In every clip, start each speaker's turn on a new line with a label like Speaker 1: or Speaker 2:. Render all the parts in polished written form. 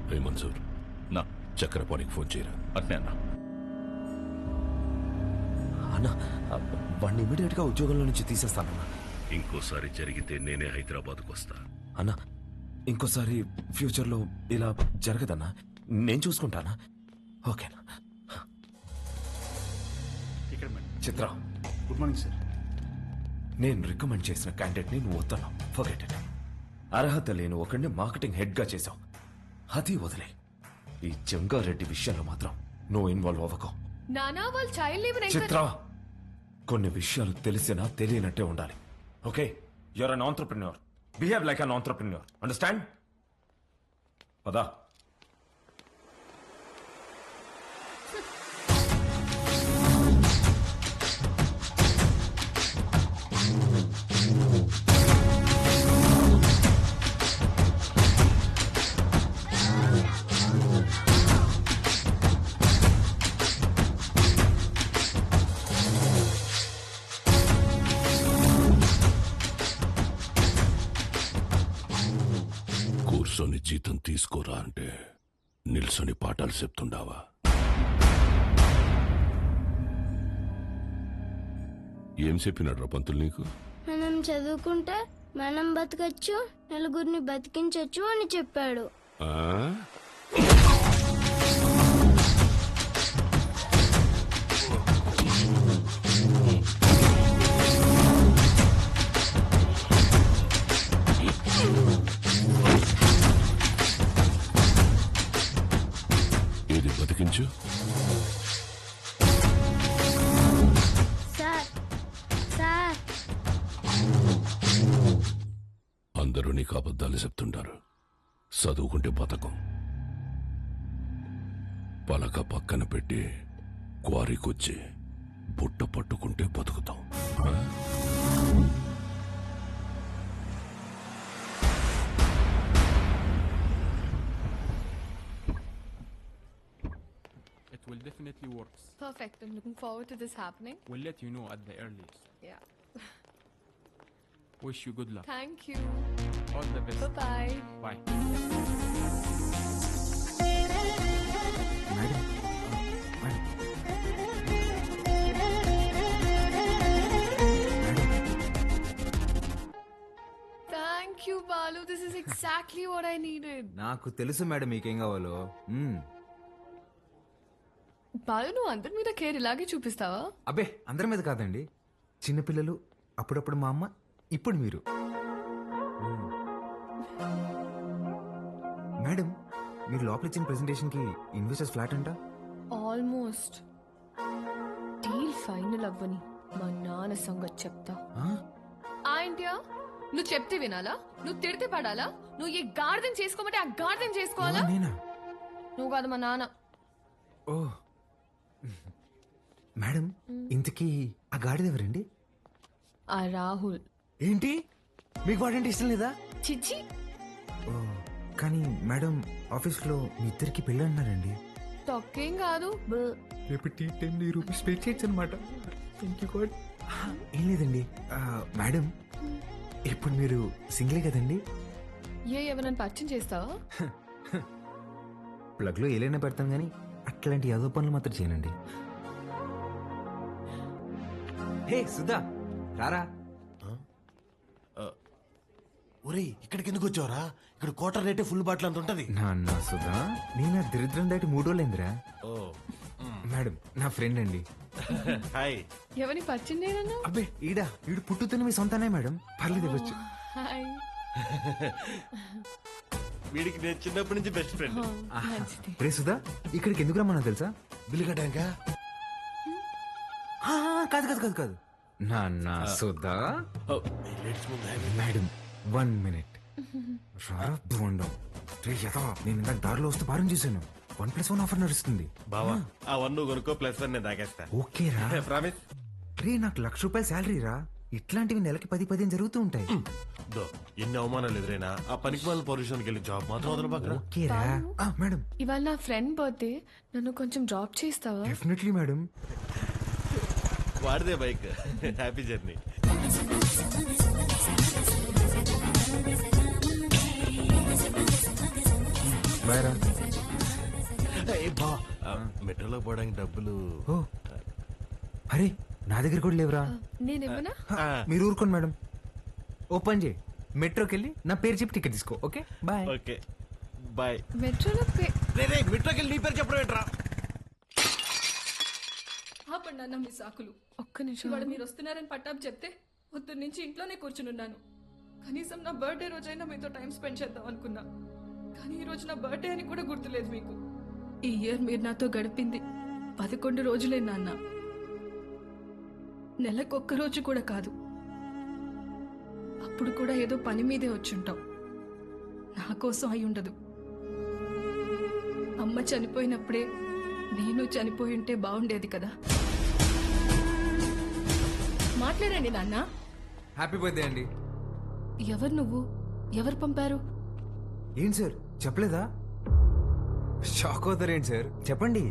Speaker 1: ఏ మన్సూర్,
Speaker 2: నా
Speaker 1: చక్రపాణికి ఫోన్ చేయరా.
Speaker 2: అట్నే అన్నా.
Speaker 3: అన్నా వాడిని ఇమీడియట్ గా ఉద్యోగంలో నుంచి తీసేస్తానన్నా.
Speaker 1: ఇంకోసారి జరిగితే నేనే హైదరాబాద్కు వస్తా.
Speaker 3: అన్నా ఇంకోసారి ఫ్యూచర్ లో ఇలా జరగదన్నా, నేను చూసుకుంటానా? ఓకేనా?
Speaker 4: ఇక్కడ madam.
Speaker 3: Chitra,
Speaker 4: good morning sir.
Speaker 3: నేను రికమెండ్ చేసిన క్యాండిడేట్ ని నువ్వు వద్దన్నావు. Forget it. అర్హత లేని ఒకడిని మార్కెటింగ్ హెడ్ గా చేశావు. అది వదిలే. ఈ జంగారెడ్డి విషయంలో మాత్రం నువ్వు ఇన్వాల్వ్ అవ్వకు.
Speaker 5: నానా వాళ్ళు చైల్డ్ లీవ్
Speaker 3: చిత్ర, కొన్ని విషయాలు తెలిసినా తెలియనట్టే ఉండాలి. Okay, you are an entrepreneur. Behave like an entrepreneur. Understand? పదా.
Speaker 1: కూర్చొని జీతం తీసుకోరా అంటే నిల్సొని పాఠాలు చెప్తుండావా? ఏం చెప్పినాడు రా పంతులు నీకు?
Speaker 6: మనం చదువుకుంటే మనం బతకచ్చు, నలుగురిని బతికించచ్చు అని చెప్పాడు.
Speaker 1: ఆ? ఏది బతికించు?
Speaker 6: సార్ సార్
Speaker 1: అందరూ నీకు అబద్ధాలు చెప్తుంటారు. చదువుకుంటే బతకం. పలక పక్కన పెట్టి క్వారీకొచ్చి బుట్ట పట్టుకుంటే బతుకుతాం. ఆ?
Speaker 7: It will definitely work.
Speaker 5: Perfect. I'm looking forward to this happening.
Speaker 7: We'll let you know at the earliest.
Speaker 5: Yeah.
Speaker 7: Wish you good luck.
Speaker 5: Thank you.
Speaker 7: All the best.
Speaker 5: Bye-bye.
Speaker 7: Bye.
Speaker 4: Madam,
Speaker 5: Thank you, Balu. This is exactly what I needed.
Speaker 8: నాకు తెలుసు madam మీకేం కావాలో.
Speaker 5: బాలు, నువ్వు అందరి మీద care ఇలాగే చూపిస్తావా?
Speaker 8: అబ్బే అందరి మీద కాదండి, చిన్నపిల్లలు, అప్పుడప్పుడు మా అమ్మ, ఇప్పుడు మీరు. మేడం, మీరు లోపల ఇచ్చిన ప్రెజెంటేషన్ కి ఇన్వెస్టర్స్ ఫ్లాట్ అంట.
Speaker 5: ఆల్మోస్ట్. డీల్ ఫైనల్ అవ్వని మా నాన్న సంగతి చెప్తా. ఏంటియా? నువ్వు చెప్తే వినాలా? నువ్వు తిడితే పడాలా? నువ్వు ఏ గార్డెన్ చేసుకోమంటే ఆ గార్డెన్ చేసుకోవాలా?
Speaker 8: నేనా?
Speaker 5: నువ్వు కాదు, మా నాన్న.
Speaker 8: ఓ మేడం, ఇంతకీ ఆ గాడిద ఎవరండి?
Speaker 5: ఆ రాహుల్.
Speaker 8: ఏంటి, మీకు వాడంటే ఇష్టం లేదా?
Speaker 5: చిచ్చి.
Speaker 8: ఓ కానీ మేడం, ఆఫీస్ లో మీ ఇద్దరికి పెళ్ళి అన్నారండి.
Speaker 5: తొక్కేం కాదు.
Speaker 8: రేపు టీ టైం రూపీస్ పే చేయొచ్చు అనమాట. ఏం లేదండి మేడం, ఇప్పుడు మీరు సింగిలే కదండి?
Speaker 5: ఎవరైనా పరిచయం చేస్తావా?
Speaker 8: ప్లగ్ లో ఏలైనా పెడతాం గానీ అట్లాంటి యాదో పనులు మాత్రం చేయనండి. హే సుధా, రారా.
Speaker 9: ఒరేయ్, ఇక్కడికి ఎందుకు వచ్చావురా? ఇక్కడ క్వార్టర్ రేటే ఫుల్ బాటిల్ అంత ఉంటది.
Speaker 8: నాన్న సుధా, నేను దరిద్రం దాటి 3 రోజులైందిరా. మేడం, నా ఫ్రెండ్ అండి.
Speaker 9: హాయ్.
Speaker 5: ఎవరిని పరిచయం చేయనన్నా?
Speaker 8: అబ్బే ఈడు పుట్టుతున్న మీ సొంతనే మేడం, పర్లేదు ఇవ్వచ్చు.
Speaker 5: హాయ్.
Speaker 9: వీడికి నేను చిన్నప్పటి నుంచి బెస్ట్ ఫ్రెండ్.
Speaker 5: మంచిది.
Speaker 8: రే సుధా, ఇక్కడికి ఎందుకు రమ్మన్నా తెలుసా?
Speaker 9: బిల్లు కట్టాక
Speaker 8: కాదు కాదు కాదు కాదు నాన్న సుధా. Madam 1 minute. రారా బోండం. రే యథా, నేను ఇందాక దారిలో వస్తూ భారం చేశాను. 1+1 ఆఫర్ నడుస్తుంది.
Speaker 9: బావా, ఆ 1 నువ్వు కొనుక్కో, +1 నేను తాగేస్తా.
Speaker 8: ఓకే రా.
Speaker 9: ప్రామిస్.
Speaker 8: రే, నాకు ₹1,00,000 శాలరీ రా. ఇట్లాంటివి నెలకి 10-15 జరుగుతూ ఉంటాయి.
Speaker 9: ఎన్ని అవమానాలు ఎదురైనా ఆ పనికి వాళ్ళ పొజిషన్కి వెళ్ళి జాబ్ మాత్రం వదలబాకరా.
Speaker 8: ఓకే రా. మేడం,
Speaker 5: ఇవాళ నా ఫ్రెండ్ బర్త్డే, నన్ను కొంచెం డ్రాప్ చేస్తావా?
Speaker 8: Definitely madam.
Speaker 9: వాడిదే బైక్. Happy journey.
Speaker 8: బాయ్ రా.
Speaker 9: మెట్రోలో పోవడానికి డబ్బులు
Speaker 8: ఓ అరే నా దగ్గర కూడా లేవురా.
Speaker 5: నేనేమన్నా
Speaker 8: మీరు ఊరుకోండి మేడం. ఓపెన్ చేయి, మెట్రోకి వెళ్ళి నా పేరు చెప్పి టికెట్ తీసుకో. Okay bye.
Speaker 9: Okay bye.
Speaker 5: మెట్రోలో
Speaker 9: మెట్రోకి వెళ్ళి నీ పేరు చెప్పడం ఏంట్రా?
Speaker 2: ఆపండి అన్న మీ సాకులు.
Speaker 5: ఒక్క నిమిషం
Speaker 2: ఇవాళ మీరు వస్తున్నారని పట్టాపు చెప్తే పొద్దున్న నుంచి ఇంట్లోనే కూర్చునున్నాను. కనీసం నా బర్త్డే రోజైనా మీతో టైం స్పెండ్ చేద్దాం అనుకున్నా, కానీ ఈ రోజు నా బర్త్డే అని కూడా గుర్తులేదు మీకు. ఈ ఇయర్ మీరు నాతో గడిపింది 11 రోజులే నాన్న, నెలకొక్క రోజు కూడా కాదు. అప్పుడు కూడా ఏదో పని మీదే వచ్చుంటాం. నా కోసం అయి ఉండదు. అమ్మ చనిపోయినప్పుడే నేను చనిపోయి ఉంటే బాగుండేది కదా. మాట్లాడండి నాన్న.
Speaker 8: హ్యాపీ బర్త్డే అండి.
Speaker 2: ఎవరు నువ్వు? ఎవరు పంపారు?
Speaker 8: ఏంటి సార్ చెప్పలేదా? షాక్ అవుతారేంటి సార్, చెప్పండి.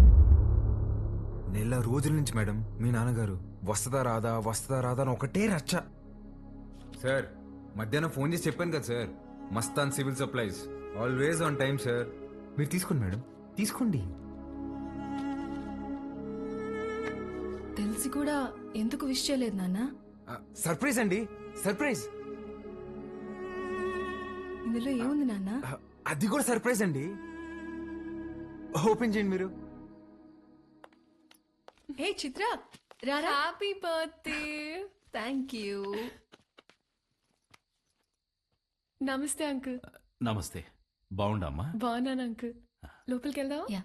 Speaker 8: నెల రోజుల నుంచి మేడం మీ నాన్నగారు వస్తుందా రాదా అని ఒకటే రచ్చ. సార్ మధ్యాహ్నం ఫోన్ చేసి చెప్పాను కదా sir, Mastan civil supplies always on time sir. మీరు తీసుకోండి మేడం, తీసుకోండి.
Speaker 2: తెలిసి కూడా ఎందుకు విష్ చేయలేదు నాన్న?
Speaker 8: సర్ప్రైజ్ అండి, సర్ప్రైజ్.
Speaker 2: ఇందులో ఏముంది నాన్న?
Speaker 8: అది కూడా సర్ప్రైజ్ అండి. ఓపెన్ చేయండి మీరు.
Speaker 2: హే చిత్ర, రారా.
Speaker 5: Happy birthday.
Speaker 2: Thank you.
Speaker 5: నమస్తే అంకుల్.
Speaker 10: నమస్తే. బాగుండమ్మా?
Speaker 5: బాగున్నాను అంకుల్. లోపలికి వెళ్దావా?
Speaker 2: యా.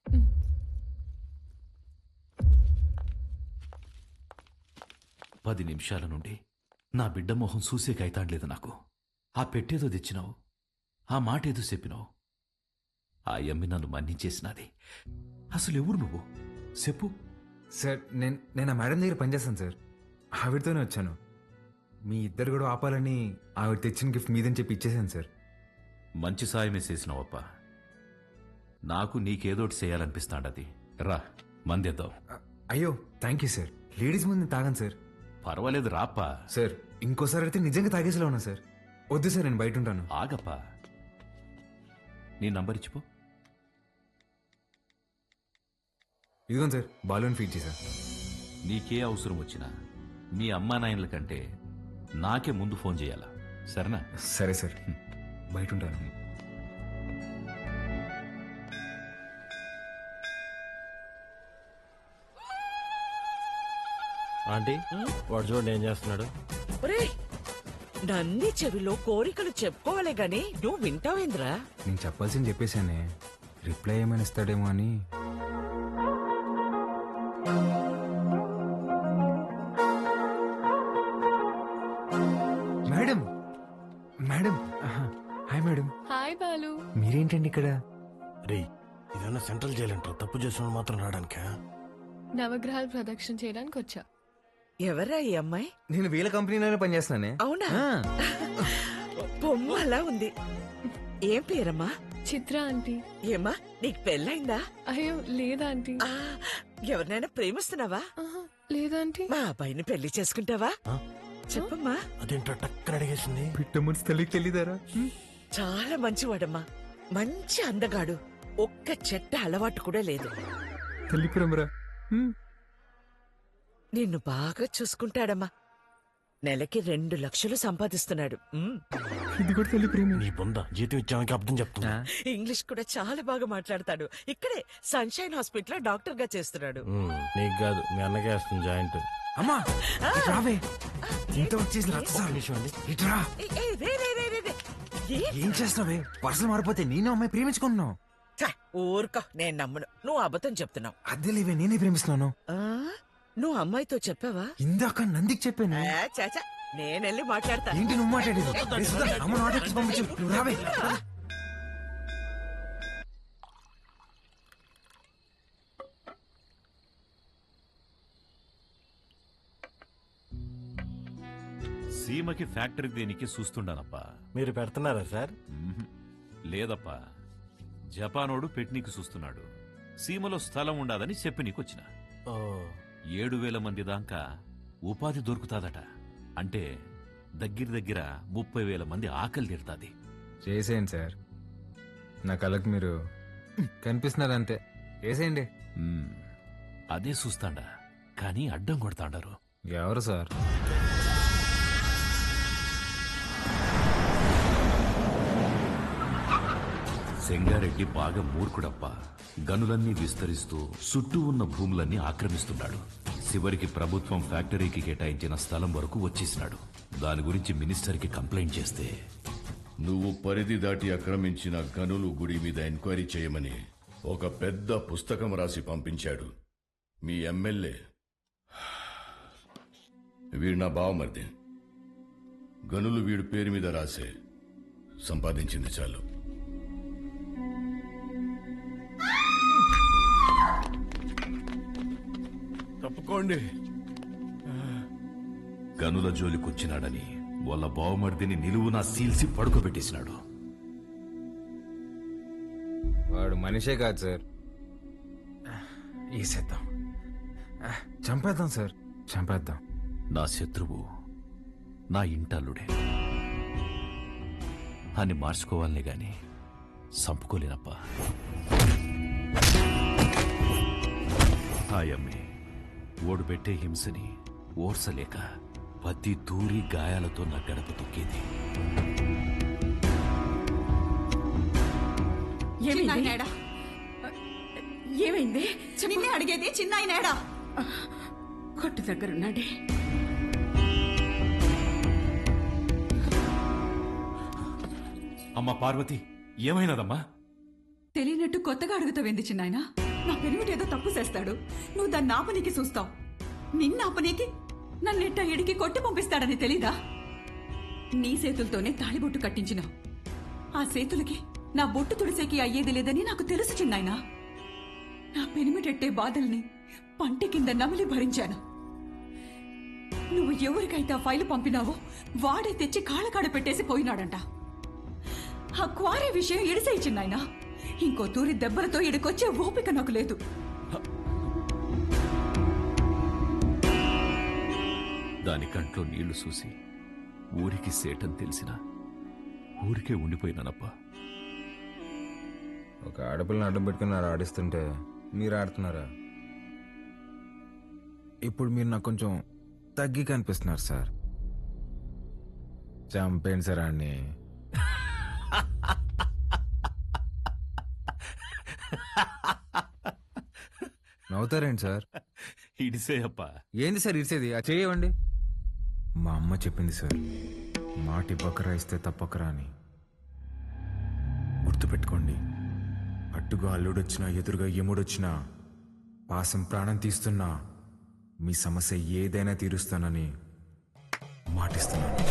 Speaker 10: 10 నిమిషాల నుండి నా బిడ్డ మొహం చూసే కైతాడలేదు నాకు. ఆ పెట్టేదో తెచ్చినావు, ఆ మాట ఏదో చెప్పినావు. ఆ యమ్మి నన్ను మన్నించేసినది. అసలు ఎవరు నువ్వు చెప్పు.
Speaker 8: సార్ నేను ఆ మేడం దగ్గర పనిచేస్తాను సార్, ఆవిడతోనే వచ్చాను. మీ ఇద్దరు కూడా ఆపాలని ఆవిడ తెచ్చిన గిఫ్ట్ మీదని చెప్పి ఇచ్చేసాను సార్.
Speaker 10: మంచి సాయమే చేసినావప్ప. నాకు నీకేదోటి చేయాలనిపిస్తాండది. రా మందేద్దాం.
Speaker 8: అయ్యో థ్యాంక్ యూ సార్. లేడీస్ ముందు తాగాను సార్.
Speaker 10: పర్వాలేదు రాప్పా.
Speaker 8: సార్ ఇంకోసారి అయితే నిజంగా తాగేసేలా ఉన్నా సార్. వద్దు సార్, నేను బయట ఉంటాను.
Speaker 10: ఆగప్పా, నీ నంబర్ ఇచ్చిపో.
Speaker 8: ఇదిగోండి సార్, బాలూన్ ఫీడ్ చేశా.
Speaker 10: నీకే అవసరం వచ్చినా మీ అమ్మా నాయనల కంటే నాకే ముందు ఫోన్ చేయాలా, సరేనా?
Speaker 8: సరే సార్, బయట ఉంటాను.
Speaker 9: ఆంటీ వాడు చూడండి ఏం చేస్తున్నాడు.
Speaker 11: నన్ని చెవిలో కోరికలు చెప్పుకోవాలే గాని నువ్వు వింటావేంద్రా?
Speaker 8: నేను చెప్పాల్సింది చెప్పేశానే, రిప్లై ఏమైనా ఇస్తాడేమో అని. Madam madam hi madam.
Speaker 5: హాయ్ బాలు.
Speaker 8: మీరేంటండి ఇక్కడ?
Speaker 9: రే ఇదన్నా సెంట్రల్ జైలు అంటారు, తప్పు చేసిన మాత్రం రావడానికా?
Speaker 5: నవగ్రహాలు ప్రదక్షిణ చేయడానికి వచ్చా.
Speaker 11: ఎవరా ఈ అమ్మాయి?
Speaker 8: నేను వీళ్ళ కంపెనీలోనే పనిచేస్తున్నానే.
Speaker 11: అవునా? బొమ్మ అలా ఉంది. ఏం పేరమ్మా?
Speaker 5: చిత్ర ఆంటీ.
Speaker 11: ఏమ్మా నీకు పెళ్ళైందా?
Speaker 5: అయ్యో లేదా ఆంటీ.
Speaker 11: ఎవరినైనా ప్రేమిస్తున్నావా?
Speaker 5: లేదా ఆంటీ.
Speaker 11: మా అబ్బాయిని పెళ్లి చేసుకుంటావా? చెప్పమ్మా.
Speaker 9: అదేంటో టక్కన అడిగేసింది.
Speaker 8: పిట్ట మనసు తల్లికి తెలియదారా?
Speaker 11: చాలా మంచివాడమ్మా, మంచి అందగాడు, ఒక్క చెట్ట అలవాటు కూడా లేదు.
Speaker 8: తల్లి ప్రేమరా.
Speaker 11: నిన్ను బాగా చూసుకుంటాడమ్మా. నెలకి 2 లక్షలు సంపాదిస్తున్నాడు.
Speaker 8: ఇది కూడా తల్లి ప్రేమ.
Speaker 9: నీ బొంద జీతం ఇచ్చామని అర్థం చెప్తున్నా.
Speaker 11: ఇంగ్లీష్ కూడా చాలా బాగా మాట్లాడతాడు. ఇక్కడే సన్షైన్ హాస్పిటల్ డాక్టర్ గా చేస్తున్నాడు.
Speaker 9: నీకు కాదు మీ అన్నకే వస్తుంది జాయింట్.
Speaker 8: అమ్మా రావే, ఇంత వచ్చేసి ఇట్రా. ఏం చేస్తున్నావే? పర్సలు మారిపోతే నేను అమ్మాయి ప్రేమించుకుంటున్నావు.
Speaker 11: ఊరుకో, నేను నమ్మను. నువ్వు అబద్ధం చెప్తున్నావు.
Speaker 8: అద్దె లేవే, నేనే ప్రేమిస్తున్నాను.
Speaker 11: నువ్వు అమ్మాయితో చెప్పావా?
Speaker 8: ఇందాక నందికి చెప్పాను.
Speaker 11: చాచా, నేనెళ్ళి మాట్లాడతా.
Speaker 8: ఏంటి నువ్వు మాట్లాడేది? అమ్మ నాటకి పంపించు, నువ్వు రావే.
Speaker 10: సీమకి ఫ్యాక్టరీ దేనికి చూస్తుండానప్పా.
Speaker 9: మీరు పెడుతున్నారా సార్?
Speaker 10: లేదప్పా, జపానోడు పెట్నీకి చూస్తున్నాడు. సీమలో స్థలం ఉండాదని చెప్పి నీకొచ్చిన. 7,000 మంది దాకా ఉపాధి దొరుకుతాదట. అంటే దగ్గర 30,000 మంది ఆకలి తీరుతాది.
Speaker 8: చేసేయండి సార్, నా కళకు మీరు కనిపిస్తున్నారు అంతే, వేసేయండి.
Speaker 10: మ్మ్. అదే చూస్తాండా కానీ అడ్డం కొడతాండారు.
Speaker 8: ఎవరు సార్?
Speaker 10: సెంగారెడ్డి బాగా మూర్ఖుడప్ప. గనులన్నీ విస్తరిస్తూ చుట్టూ ఉన్న భూములన్నీ ఆక్రమిస్తున్నాడు. చివరికి ప్రభుత్వం ఫ్యాక్టరీకి కేటాయించిన స్థలం వరకు వచ్చేసినాడు. దాని గురించి మినిస్టర్కి కంప్లైంట్ చేస్తే
Speaker 1: నువ్వు పరిధి దాటి ఆక్రమించిన గనులు గుడి మీద ఎంక్వైరీ చేయమని ఒక పెద్ద పుస్తకం రాసి పంపించాడు మీ ఎమ్మెల్యే. వీడు నా బావమరిది. గనులు వీడి పేరు మీద రాసే సంపాదించింది చాలు.
Speaker 9: తప్పుకోండి.
Speaker 10: గనుల జోలికొచ్చినాడని వాళ్ళ బావమర్దిని నిలువునా సీల్సి పడుకోబెట్టేసినాడు.
Speaker 8: వాడు మనిషే కాదు సార్. వేసేద్దాం, చంపేద్దాం సార్, చంపేద్దాం.
Speaker 10: నా శత్రువు నా ఇంటల్లుడే అని మార్చుకోవాలనే గాని చంపుకోలేనప్ప. ఆయమ్మే ఓడిపెట్టే హింసని ఓర్సలేక పత్తి తూరి గాయాలతో నా గడప తొక్కేది.
Speaker 11: ఏమైంది?
Speaker 2: నిన్నే అడిగేది, చిన్నాయనేడా?
Speaker 11: కొట్టు దగ్గరున్నాడే.
Speaker 10: అమ్మా పార్వతి, ఏమైనదమ్మా?
Speaker 2: తెలియనట్టు కొత్తగా అడుగుతావేంది చిన్నాయన? నా పెరిమిటేదో తప్పు చేస్తాడు, నువ్వు దాన్ని ఆపనీకి చూస్తావు. నిన్న ఆపనీకి నన్నెట్ట ఇడికి కొట్టి పంపిస్తాడని తెలీదా? నీ చేతులతోనే తాళిబొట్టు కట్టించినావు. ఆ చేతులకి నా బొట్టు తుడిసేకి అయ్యేది లేదని నాకు తెలుసు చిన్నాయన. నా పెనిమిటెట్టే బాధల్ని పంటి కింద నమిలి భరించాను. నువ్వు ఎవరికైతే ఆ ఫైలు పంపినావో వాడే తెచ్చి కాళ్ళకాడ పెట్టేసి పోయినాడంట. ఆ క్వారీ విషయం ఇడిసేయి చిన్నాయన. ఇంకో తూరి దెబ్బలతో ఇడికొచ్చే ఓపిక నాకు లేదు.
Speaker 10: దాని కంట్లో నీళ్లు చూసి ఊరికి సేటని తెలిసినా ఊరికే ఉండిపోయినానప్పా.
Speaker 8: ఒక ఆడపిల్లని అడ్డం పెట్టుకున్నారు ఆడిస్తుంటే మీరు ఆడుతున్నారా? ఇప్పుడు మీరు నాకు కొంచెం తగ్గి కనిపిస్తున్నారు సార్. చంపేయండి సార్ ఆడిని. నవ్వుతారేంటి సార్?
Speaker 10: ఇడిసే అప్పా.
Speaker 8: ఏంది సార్ ఇడిసేది? ఆ చేయవండి. మా అమ్మ చెప్పింది సార్, మాట ఇవ్వకరా ఇస్తే తప్పకరా అని. గుర్తుపెట్టుకోండి, అట్టుగా అల్లుడొచ్చినా ఎదురుగా ఎముడొచ్చినా పాసం ప్రాణం తీస్తున్నా మీ సమస్య ఏదైనా తీరుస్తానని మాటిస్తున్నాను.